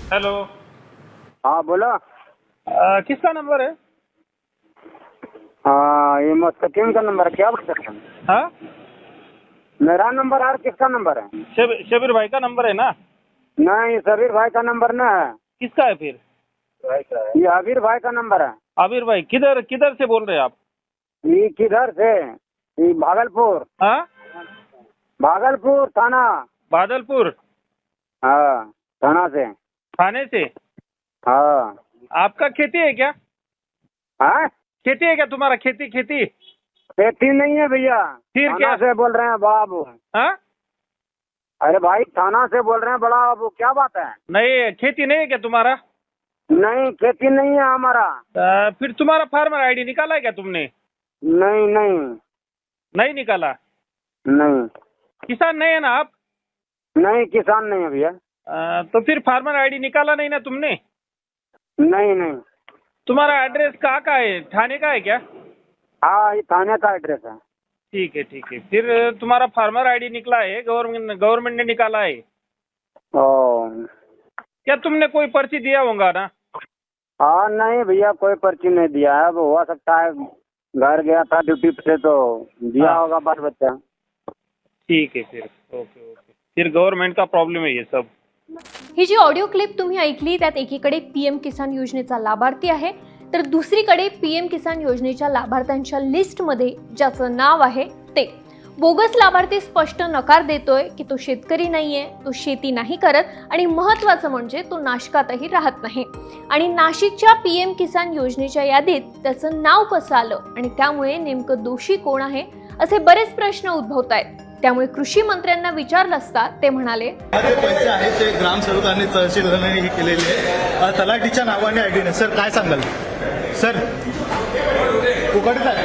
Hello. हाँ बोलो। किसका नंबर है? ये मुस्तकीम का नंबर है, क्या बात कर रहे हैं? हाँ, मेरा नंबर और किसका नंबर है? शबीर भाई का नंबर है ना? नहीं, सबीर भाई का नंबर ना है। किसका है फिर? ये अबीर भाई का नंबर है। आबिर भाई किधर किधर से बोल रहे हैं आप? ये किधर से? ये भागलपुर। हाँ, भागलपुर थाना। बादलपुर हाँ, थाना से। थाने से। हाँ। आपका खेती है क्या? हाँ, खेती है क्या तुम्हारा? खेती खेती? खेती नहीं है भैया। फिर थाना क्या? से बोल रहे हैं बाबू। हाँ, अरे भाई, थाना से बोल रहे हैं बड़ा बाबू, क्या बात है? नहीं, खेती नहीं है क्या तुम्हारा? नहीं, खेती नहीं है हमारा। फिर तुम्हारा फार्मर आईडी निकाला है क्या तुमने? नहीं नहीं नहीं निकाला? नहीं। किसान नहीं है ना आप? नहीं, किसान नहीं है भैया। तो फिर फार्मर आईडी निकाला नहीं ना तुमने? नहीं नहीं। तुम्हारा एड्रेस कहाँ का है? थाने का है क्या? हाँ, ये थाने का एड्रेस है। ठीक है ठीक है। फिर तुम्हारा फार्मर आईडी निकला है, गवर्नमेंट ने निकाला है ओ। क्या? तुमने कोई पर्ची दिया होगा ना? हाँ नहीं भैया, कोई पर्ची नहीं दिया है। अब हो सकता है घर गया था ड्यूटी पे तो दिया हाँ। होगा बाल बच्चा। ठीक है फिर। Okay okay. फिर गव्हर्नमेंट का प्रॉब्लेम आहे ये सब। ही जी ऑडिओ क्लिप तुम्ही ऐकली त्यात एकीकडे पीएम किसान योजनेचा लाभार्थी आहे, तर दुसरीकडे पीएम किसान योजनेच्या लाभार्थ्यांच्या लिस्टमध्ये ज्याचं नाव आहे ते बोगस लाभार्थी स्पष्ट नकार देतोय की तो शेतकरी नाहीये, तो शेती नाही करत आणि महत्त्वाचं म्हणजे तो नाशकातही राहत नाही। आणि नाशिकच्या पीएम किसान योजनेच्या यादीत त्याचं नाव कसं आलं आणि त्यामुळे नेमकं दोषी कोण आहे असे बरेच प्रश्न उद्भवतायत। त्यामुळे कृषी मंत्र्यांना विचारलं असता ते म्हणाले, पैसे आहेत ते ग्रामसेवकांनी तहसीलदारांनी केलेले आहे, तलाठीच्या नावाने आयडी नाही। सर काय सांगाल? सर उघडत आहे,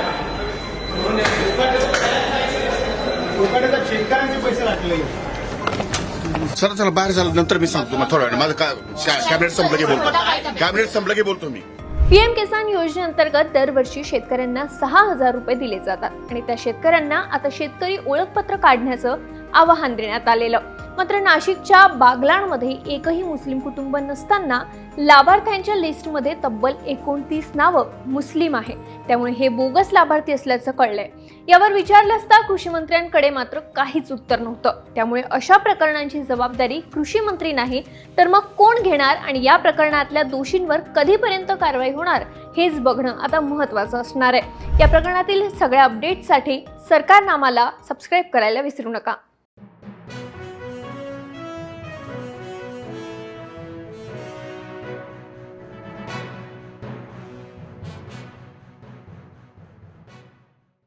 शेतकऱ्यांचे पैसे लागलेले। चला बाहेर झालं नंतर मी सांगतो मग थोड्या वेळ माझं कॅबिनेट संपलं की बोलतो। कॅबिनेट संपलं की बोलतो मी। पीएम किसान योजनेअंतर्गत दरवर्षी शेतकऱ्यांना 6,000 रुपये दिले जातात आणि त्या शेतकऱ्यांना आता शेतकरी ओळखपत्र काढण्याचं आवाहन देण्यात आलेलं। मात्र नाशिकच्या बागलाणमध्ये एकही मुस्लिम कुटुंब नसताना लाभार्थ्यांच्या लिस्टमध्ये तब्बल 29 नावं मुस्लिम आहे। त्यामुळे हे बोगस लाभार्थी असल्याचं कळलंय। यावर विचारलं असता कृषी मंत्र्यांकडे मात्र काहीच उत्तर नव्हतं। त्यामुळे अशा प्रकरणांची जबाबदारी कृषी मंत्री नाही तर मग कोण घेणार आणि या प्रकरणातल्या दोषींवर कधीपर्यंत कारवाई होणार हेच बघणं आता महत्त्वाचं असणार आहे। या प्रकरणातील सगळ्या अपडेट्ससाठी सरकारनामाला सबस्क्राइब करायला विसरू नका।